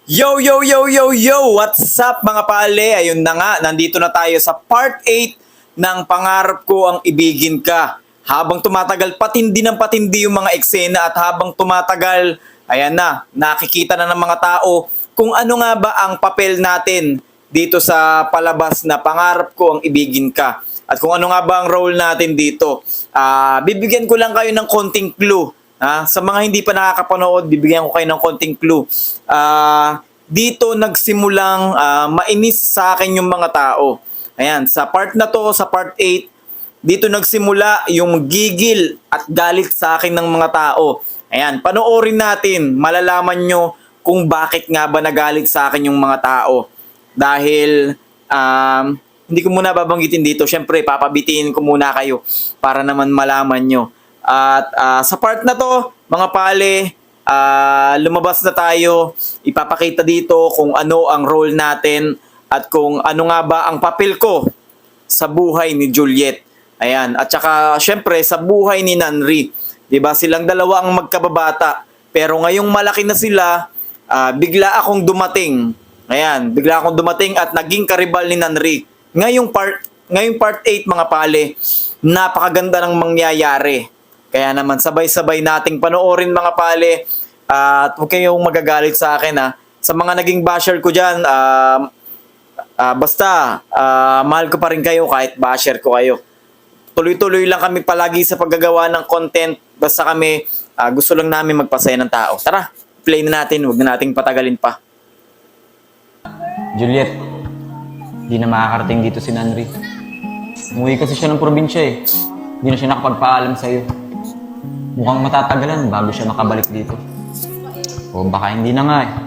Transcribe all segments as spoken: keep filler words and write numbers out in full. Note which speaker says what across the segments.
Speaker 1: Yo, yo, yo, yo, yo! What's up mga pale? Ayun na nga, nandito na tayo sa part eight ng Pangarap Ko Ang Ibigin Ka. Habang tumatagal, patindi ng patindi yung mga eksena at habang tumatagal, ayan na, nakikita na ng mga tao kung ano nga ba ang papel natin dito sa palabas na Pangarap Ko Ang Ibigin Ka. At kung ano nga ba ang role natin dito. Ah, bibigyan ko lang kayo ng konting clue. Ah, sa mga hindi pa nakakapanood, bibigyan ko kayo ng konting clue. Ah, dito nagsimulang ah, mainis sa akin yung mga tao. Ayan, sa part na to, sa part eight, dito nagsimula yung gigil at galit sa akin ng mga tao. Ayan, panoorin natin, malalaman nyo kung bakit nga ba nagalit sa akin yung mga tao. Dahil um, hindi ko muna babanggitin dito. Syempre, papabitiin ko muna kayo para naman malaman nyo. At ah, sa part na to, mga pale, ah, lumabas na tayo. Ipapakita dito kung ano ang role natin at kung ano nga ba ang papel ko sa buhay ni Juliet. Ayan. At saka, syempre, sa buhay ni Nanri. Diba? Silang dalawa ang magkababata. Pero ngayong malaki na sila, ah, bigla akong dumating. Ayan. Bigla akong dumating at naging karibal ni Nanri. Ngayong part, ngayong part eight, mga pale, napakaganda ng mangyayari. Kaya naman sabay-sabay nating panoorin mga pale uh, at huwag kayong magagalit sa akin ha. Sa mga naging basher ko dyan, uh, uh, basta uh, mahal ko pa rin kayo kahit basher ko kayo. Tuloy-tuloy lang kami palagi sa paggagawa ng content. Basta kami uh, gusto lang namin magpasaya ng tao. Tara, play na natin. Huwag na nating patagalin pa.
Speaker 2: Juliet, di na makakarating dito si Nanri. Umuwi kasi siya ng probinsya eh. Di na siya nakapagpaalam sa'yo. Mukhang matatagalan bago siya makabalik dito. O baka hindi na nga eh.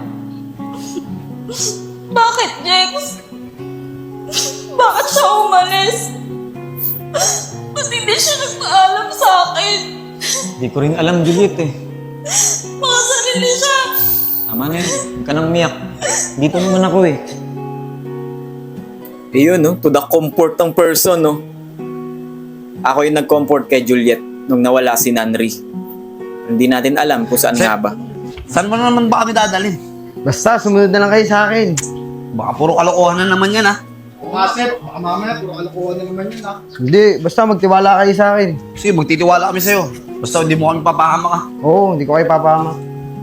Speaker 3: Bakit, Jex? Bakit siya umalis? Ba't hindi siya nagpaalam sa akin?
Speaker 2: Di ko rin alam, Juliet eh.
Speaker 3: Mga sarili siya.
Speaker 2: Tama na yun. Huwag ka nang umiyak. Dito naman ako eh.
Speaker 1: Ayun, no? To the comfort ng person, no? Ako yung nag-comfort kay Juliet nung nawala si Nanri. Hindi natin alam kung saan
Speaker 4: Sir,
Speaker 1: nga ba.
Speaker 4: Saan mo na naman ba kami dadalhin?
Speaker 5: Basta, sumunod na lang kayo sa akin.
Speaker 4: Baka puro kalokohan na naman yan, ha?
Speaker 6: Oo nga, sir. Baka mamaya, puro kalokohan na naman yun, ha?
Speaker 5: Hindi, basta magtiwala kayo sa akin.
Speaker 4: Sige, magtitiwala kami sa'yo. Basta hindi mo kami papahama ka.
Speaker 5: Oo, hindi ko kayo papama.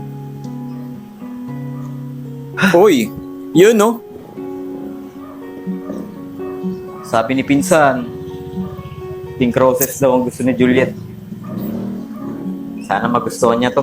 Speaker 1: Uy, yun, no? Sabi ni Pinsan, pink roses daw ang gusto ni Juliet. Sana magustuhan niya to.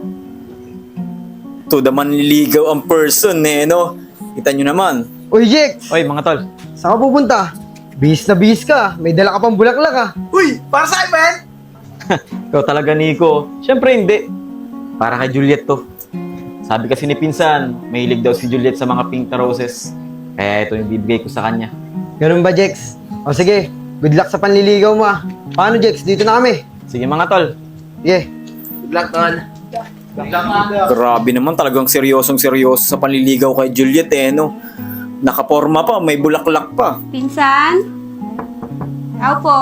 Speaker 1: To the manliligaw ang person eh, no? Kita nyo naman.
Speaker 5: Uy, Jex!
Speaker 2: Oy, mga tol.
Speaker 5: Saan ka pupunta? Bihis na bihis ka. May dala ka pang bulaklak ah.
Speaker 4: Uy! Para sa'yo, man!
Speaker 2: Ikaw talaga, Nico. Siyempre hindi. Para kay Juliet to. Sabi kasi ni Pinsan, mahilig daw si Juliet sa mga pink na roses. Kaya ito yung bibigay ko sa kanya.
Speaker 5: Ganun ba, Jex? O sige, good luck sa panliligaw mo ah. Paano, Jex? Dito na kami.
Speaker 2: Sige mga tol.
Speaker 5: Yeah.
Speaker 4: Good luck, tol.
Speaker 1: Grabe naman, talagang seryosong seryoso sa panliligaw kay Juliet eh, no? Nakaporma pa, may bulaklak pa.
Speaker 3: Pinsan? Ako po.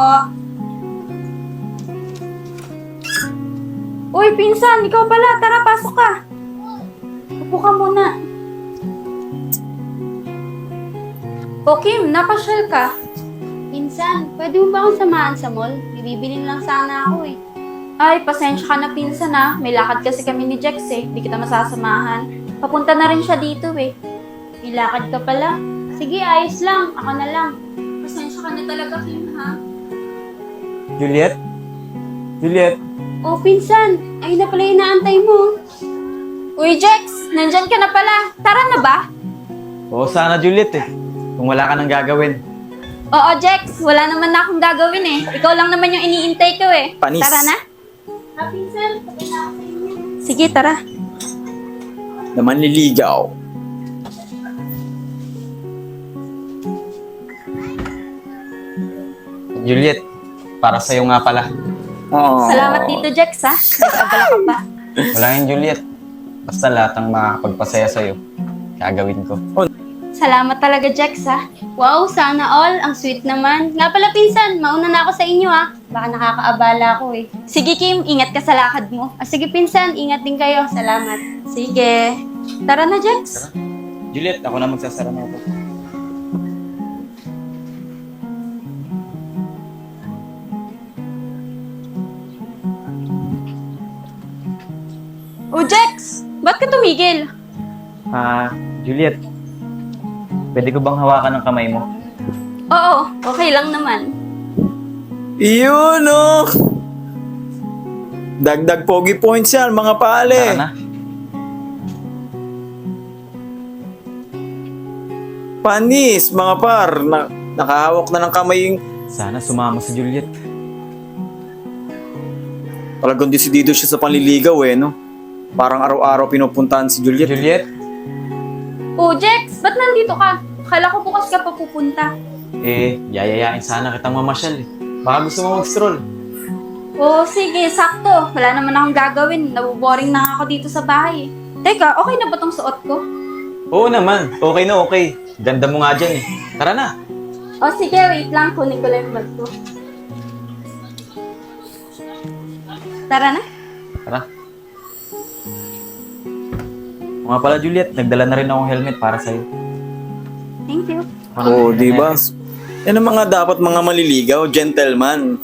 Speaker 3: Uy, Pinsan, ikaw pala. Tara, pasok ka. Upo ka muna. O Kim, napasyal ka.
Speaker 7: Pinsan, pwede mo ba akong samahan sa mall? Bibibilin lang sana ako eh.
Speaker 3: Ay, pasensya ka na, Pinsan ah. May lakad kasi kami ni Jex eh. Hindi kita masasamahan. Papunta na rin siya dito eh.
Speaker 7: May lakad ka pala. Sige, ayos lang. Ako na lang.
Speaker 3: Pasensya ka na talaga, Kim ha.
Speaker 2: Juliet? Juliet?
Speaker 7: Oh, Pinsan, ayun na pala yung inaantay mo.
Speaker 3: Uy, Jex! Nandyan ka na pala. Tara na ba?
Speaker 2: Oo, sana Juliet eh. Kung wala ka nang gagawin.
Speaker 3: Oo, Jex. Wala naman na akong gagawin eh. Ikaw lang naman yung iniintay ko eh.
Speaker 1: Panis.
Speaker 3: Tara na.
Speaker 7: Ah, Pinsan, patay na ako sa inyo.
Speaker 3: Sige, tara.
Speaker 1: Na manliligaw.
Speaker 2: Juliet, para sa'yo nga pala.
Speaker 1: Oh.
Speaker 3: Salamat dito, Jex ha. Nag-abala ka pa.
Speaker 2: Wala yan, Juliet. Basta lahat ng makakapagpasaya sa'yo, gagawin ko.
Speaker 3: Salamat talaga, Jex ha.
Speaker 7: Wow, sana all. Ang sweet naman. Nga pala, Pinsan, mauna na ako sa inyo ah. Baka nakakaabala ako eh.
Speaker 3: Sige, Kim. Ingat ka sa lakad mo.
Speaker 7: Ah, sige, Pinsan, ingat din kayo. Salamat.
Speaker 3: Sige. Tara na, Jex.
Speaker 2: Juliet, ako na magsasara na ito.
Speaker 3: Oh, Jex! Ba't ka tumigil?
Speaker 2: Ah, Juliet. Pwede ko bang hawakan ng kamay mo?
Speaker 3: Oo, okay lang naman.
Speaker 1: Yun, oh! Dagdag pogi points yan, mga pale.
Speaker 2: Tara na.
Speaker 1: Panis, mga par. Na, nakahawak na ng kamay yung...
Speaker 2: Sana sumama si Juliet.
Speaker 1: Talagang desidido siya sa panliligaw eh, no? Parang araw-araw pinupuntahan si Juliet.
Speaker 2: Juliet?
Speaker 3: Oh, Jex! Ba't nandito ka? Akala ko bukas ka pa pupunta.
Speaker 2: Eh, yayayain sana kitang mamasyal eh. Baka gusto mo mag-stroll.
Speaker 3: Oh, sige, sakto. Wala naman akong gagawin. Nabuboring na nga ako dito sa bahay. Teka, okay na ba tong suot ko?
Speaker 2: Oo naman, okay na okay. Ganda mo nga dyan eh. Tara na.
Speaker 3: Oh, sige, wait lang. Kunin ko lang yung bag ko. Tara na.
Speaker 2: Tara. O nga pala Juliet, nagdala na rin akong helmet para sa'yo.
Speaker 3: Thank you.
Speaker 1: Oo, oh, di ba? Yan ang mga dapat mga maliligaw, gentleman.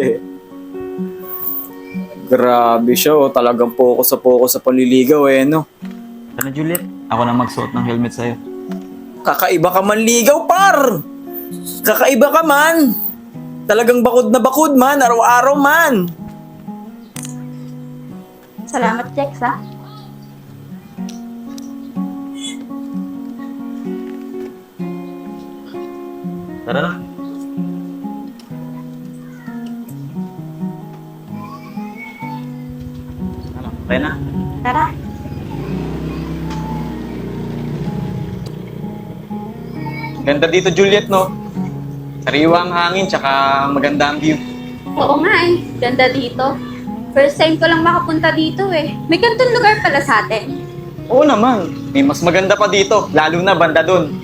Speaker 1: Grabe siya, oh. Talagang focus sa focus sa panliligaw eh, no?
Speaker 2: Tara Juliet, ako na magsuot ng helmet sa'yo.
Speaker 1: Kakaiba ka man ligaw, par! Kakaiba ka man! Talagang bakod na bakod man, araw-araw man!
Speaker 3: Salamat, Jex, ha?
Speaker 2: Tara na. Ano, tayo na.
Speaker 3: Tara.
Speaker 2: Ganda dito Juliet, no? Sariwa ang hangin, tsaka maganda ang view.
Speaker 3: Oo nga eh. Ganda dito. First time ko lang makapunta dito eh. May ganitong lugar pala sa atin.
Speaker 2: Oo naman, may mas maganda pa dito, lalo na banda dun.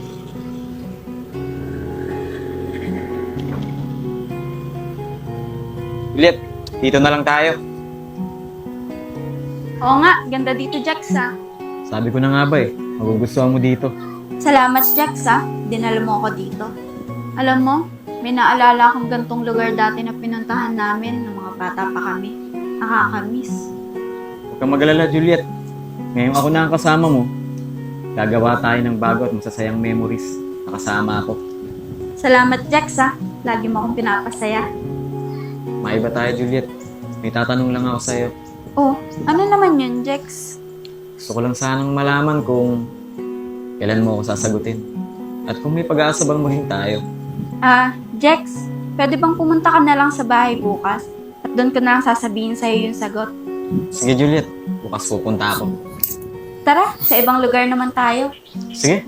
Speaker 2: Juliet, dito na lang tayo.
Speaker 3: Oo nga, ganda dito, Jax, ha?
Speaker 2: Sabi ko na nga ba eh, magugustuhan mo dito.
Speaker 3: Salamat, Jax, ha? Dinala mo ako dito. Alam mo, may naalala akong gantong lugar dati na pinuntahan namin nung mga bata pa kami. Nakakamiss.
Speaker 2: Huwag kang mag-alala, Juliet. Ngayon ako na ang kasama mo. Gagawa tayo ng bago at masasayang memories. Nakasama ako.
Speaker 3: Salamat, Jax, ha? Lagi mo akong pinapasaya.
Speaker 2: Maiba tayo, Juliet. May tatanong lang ako sa'yo.
Speaker 3: Oh, ano naman yun, Jax?
Speaker 2: Gusto ko lang sanang malaman kung kailan mo ako sasagutin. At kung may pag-aasa bang maging tayo.
Speaker 3: Ah, Jax, pwede bang pumunta ka na lang sa bahay bukas? At doon ko na lang sasabihin sa'yo yung sagot.
Speaker 2: Sige, Juliet. Bukas pupunta ako.
Speaker 3: Tara, sa ibang lugar naman tayo.
Speaker 2: Sige.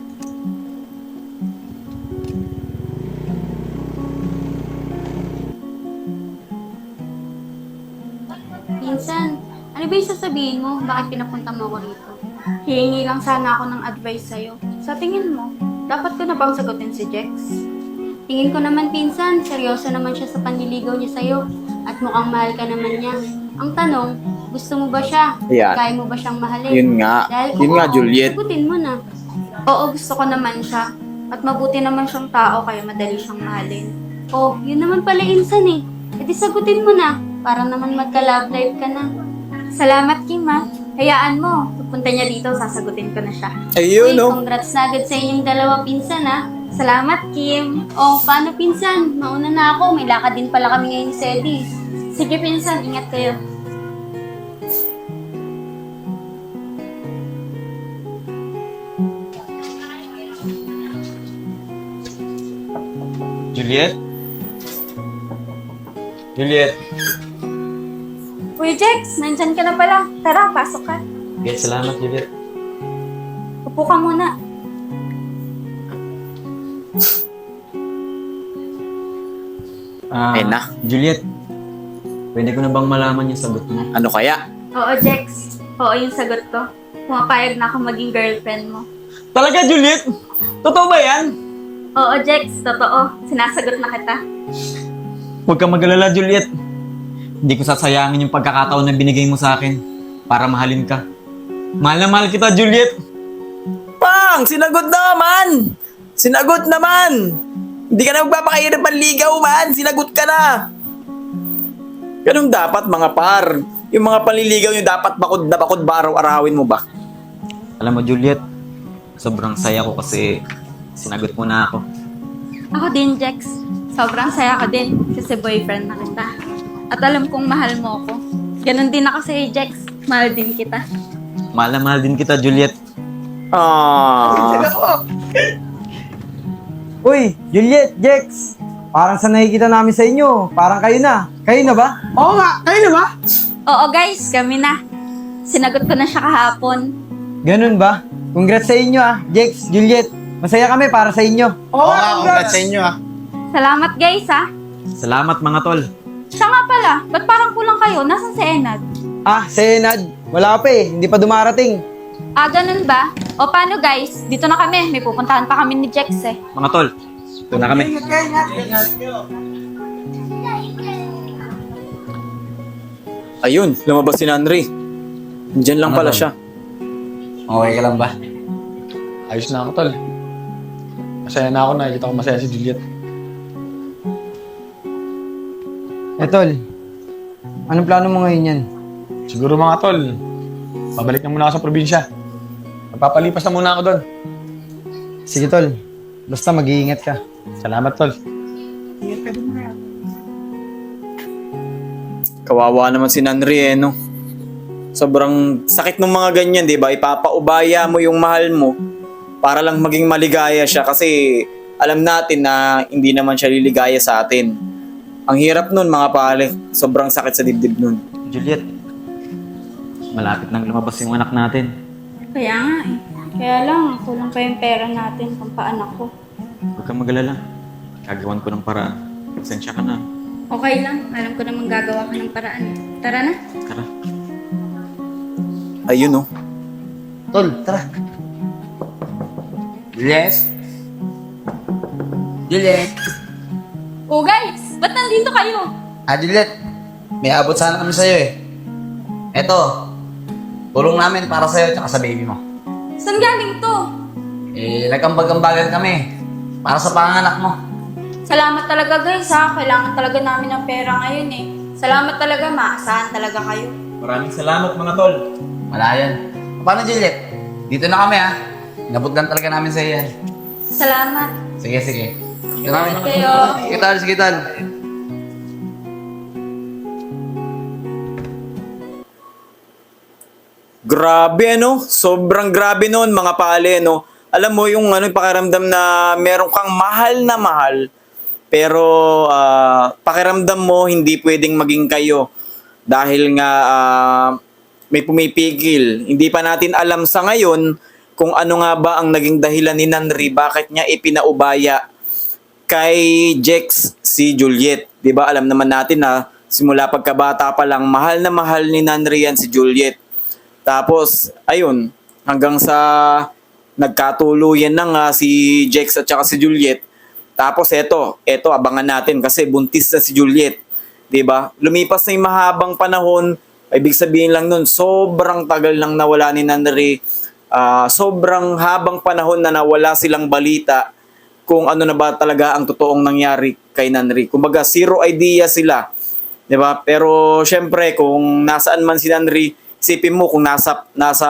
Speaker 3: Pinsan, ano ba yung sasabihin mo? Bakit pinapunta mo ako rito? Hihingi lang sana ako ng advice sa'yo. Sa tingin mo, dapat ko na bang sagutin si Jex? Tingin ko naman, pinsan, seryoso naman siya sa panliligaw niya sa'yo. At mukhang mahal ka naman niya. Ang tanong, gusto mo ba siya?
Speaker 1: Ayan.
Speaker 3: Kaya mo ba siyang mahalin?
Speaker 1: Yun nga.
Speaker 3: Dahil
Speaker 1: Yun
Speaker 3: kung
Speaker 1: nga,
Speaker 3: oo,
Speaker 1: Juliet.
Speaker 3: sagutin mo na. Oo, gusto ko naman siya. At mabuti naman siyang tao, kaya madali siyang mahalin. Oh, yun naman pala, insan eh. E di sagutin mo na. Para naman magka-love life ka na. Salamat, Kim, ha. Hayaan mo. Pupunta niya dito, sasagutin ko na siya.
Speaker 1: Ayun,
Speaker 3: Uy,
Speaker 1: no?
Speaker 3: congrats na agad sa inyong dalawa, pinsan, ha. Salamat, Kim. Oh, paano, pinsan? Mauna na ako. May lakad din pala kami ngayon ni Sedi. Sige, pinsan. Ingat kayo.
Speaker 2: Juliet? Juliet?
Speaker 3: Uy, Jex, nandyan ka na pala. Tara, pasok ka.
Speaker 2: Yes, salamat, Juliet.
Speaker 3: Upo ka muna.
Speaker 2: Ah,
Speaker 1: Eh na.
Speaker 2: Juliet, pwede ko na bang malaman yung sagot mo?
Speaker 1: Ano kaya?
Speaker 3: Oo, Jex. Oo, yung sagot ko. Pumapayag na ako maging girlfriend mo.
Speaker 2: Talaga, Juliet? Totoo ba yan?
Speaker 3: Oo, Jex. Totoo. Sinasagot na kita.
Speaker 2: Huwag kang mag-alala, Juliet. Hindi ko sasayangin yung pagkakataon na binigay mo sa akin para mahalin ka. Mahal na mahal kita, Juliet.
Speaker 1: Pang, sinagot naman! Sinagot naman! Hindi ka na magpapakahirap manligaw man! Sinagot ka na! Ganun dapat mga par. Yung mga panliligaw nyo dapat bakod na bakod ba araw-arawin mo ba?
Speaker 2: Alam mo, Juliet, sobrang saya ko kasi sinagot mo na ako.
Speaker 3: Ako din, Jex. Sobrang saya ko din kasi boyfriend na kita. At alam kong mahal mo ako. Ganon din ako sa'yo, Jex. Mahal din kita.
Speaker 2: Mahal na mahal din kita, Juliet.
Speaker 1: Ah.
Speaker 5: Uy, Juliet, Jex. Parang sa nakikita namin sa inyo. Parang kayo na. Kayo na ba?
Speaker 6: Oo nga, kayo na ba?
Speaker 3: Oo, guys. Kami na. Sinagot ko na siya kahapon.
Speaker 5: Ganun ba? Congrats sa inyo ah, Jex, Juliet. Masaya kami para sa inyo.
Speaker 6: Oo nga, congrats sa inyo ah.
Speaker 3: Salamat, guys, ha.
Speaker 2: Salamat mga tol.
Speaker 3: Siya nga pala. Ba't parang kulang kayo? Nasaan si Enad?
Speaker 5: Ah, si Enad. Wala pa eh. Hindi pa dumarating.
Speaker 3: Ah, ganun ba? O paano, guys? Dito na kami. May pupuntahan pa kami ni Jex, eh.
Speaker 2: Mga tol, ito na kami.
Speaker 1: Ayun, lumabas si Nanri. Diyan lang
Speaker 4: Ano
Speaker 1: pala
Speaker 4: ba?
Speaker 1: siya.
Speaker 4: Okay ka lang ba?
Speaker 6: Ayos na ako, tol. Masaya na ako, nakikita ko masaya si Juliet.
Speaker 5: Eh, tol. Anong plano mo ngayon yan?
Speaker 6: Siguro mga tol, pabalik na muna ako sa probinsya. Magpapalipas na muna ako doon.
Speaker 5: Sige, tol. Basta mag-iingat ka.
Speaker 6: Salamat, tol.
Speaker 1: Kawawa naman si Nanri eh, no? Sobrang sakit ng mga ganyan, di ba? Ipapaubaya mo yung mahal mo para lang maging maligaya siya kasi alam natin na hindi naman siya liligaya sa atin. Ang hirap nun mga pare, sobrang sakit sa dibdib nun.
Speaker 2: Juliet, malapit nang lumabas yung anak natin.
Speaker 3: Kaya nga, eh. Kaya lang, kulang pa yung pera natin pang paanak ko.
Speaker 2: Huwag kang magalala. Gagawan ko ng paraan. Pasensya ka na.
Speaker 3: Okay lang. Alam ko namang gagawa ka ng paraan. Tara na.
Speaker 2: Tara.
Speaker 1: Ayun oh.
Speaker 4: Tol, tara. Juliet? Juliet?
Speaker 3: Oh, guys! Ba't nandito kayo?
Speaker 4: Ah, Juliet, may abot sana kami sa'yo eh. Eto, tulong namin para sa'yo at sa baby mo.
Speaker 3: Saan galing to?
Speaker 4: Eh, nagkambag-ambagan kami para sa panganak mo.
Speaker 3: Salamat talaga, guys, ha. Kailangan talaga namin ng pera ngayon, eh. Salamat talaga. Maasahan talaga kayo.
Speaker 2: Maraming salamat mga tol.
Speaker 4: Wala yan. Paano, Juliet? Dito na kami, ha? Inabot lang talaga namin sa'yo yan.
Speaker 3: Salamat.
Speaker 4: Sige, sige. Ito namin.
Speaker 3: Salamat kayo.
Speaker 4: Sige, tol. Sige, tol.
Speaker 1: Grabe ano, sobrang grabe noon mga pale no. Alam mo yung ano yung pakiramdam na meron kang mahal na mahal pero ah, pakiramdam mo hindi pwedeng maging kayo dahil nga ah, may pumipigil. Hindi pa natin alam sa ngayon kung ano nga ba ang naging dahilan ni Nanri bakit niya ipinaubaya kay Jex si Juliet. 'Di ba? Alam naman natin na simula pagkabata pa lang mahal na mahal ni Nanri yan si Juliet. Tapos, ayun, hanggang sa nagkatuluyan na nga si Jex at saka si Juliet. Tapos eto, eto abangan natin kasi buntis na si Juliet. 'Di ba? Lumipas na yung mahabang panahon, ibig sabihin lang nun, sobrang tagal nang nawala ni Nanri. Ah, sobrang habang panahon na nawala silang balita kung ano na ba talaga ang totoong nangyari kay Nanri. Kumbaga, zero idea sila. 'Di ba? Pero syempre, kung nasaan man si Nanri, isipin mo kung nasa nasa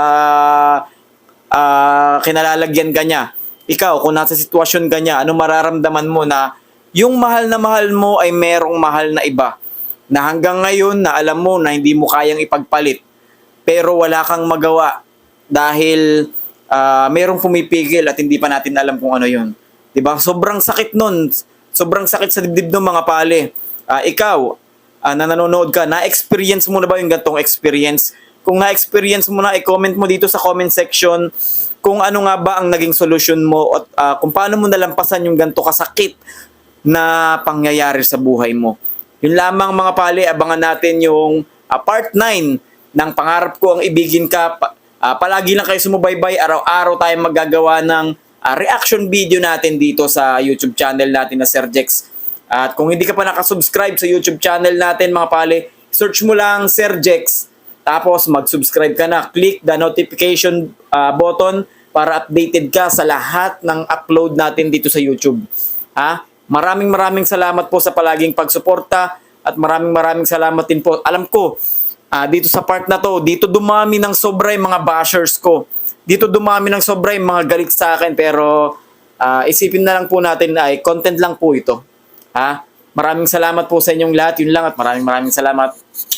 Speaker 1: ah, kinalalagyan ka niya. Ikaw, kung nasa sitwasyon ka niya, ano mararamdaman mo na yung mahal na mahal mo ay merong mahal na iba na hanggang ngayon na alam mo na hindi mo kayang ipagpalit pero wala kang magawa dahil ah, merong pumipigil at hindi pa natin alam kung ano yun. 'Di ba? Sobrang sakit nun. Sobrang sakit sa dibdib ng mga pale. Ah, ikaw, ah, na nanonood ka, na-experience mo na ba yung gantong experience? Kung na-experience mo na, i-comment mo dito sa comment section kung ano nga ba ang naging solusyon mo at ah, kung paano mo nalampasan yung ganto kasakit na pangyayari sa buhay mo. Yun lamang mga pale, abangan natin yung ah, part nine ng Pangarap Ko Ang Ibigin Ka. Pa- ah, palagi lang kayo sumubaybay, araw-araw tayo maggagawa ng ah, reaction video natin dito sa YouTube channel natin na Sir Jex. At kung hindi ka pa nakasubscribe sa YouTube channel natin mga pale, search mo lang Sir Jex. Tapos mag-subscribe ka na, click the notification uh, button para updated ka sa lahat ng upload natin dito sa YouTube. Ha? Maraming maraming salamat po sa palaging pagsuporta at maraming maraming salamat din po. Alam ko, ah, dito sa part na to, dito dumami ng sobra yung mga bashers ko. Dito dumami ng sobra yung mga galit sa akin, pero ah, isipin na lang po natin ay content lang po ito. Ha? Maraming salamat po sa inyong lahat. Yun lang at maraming maraming salamat.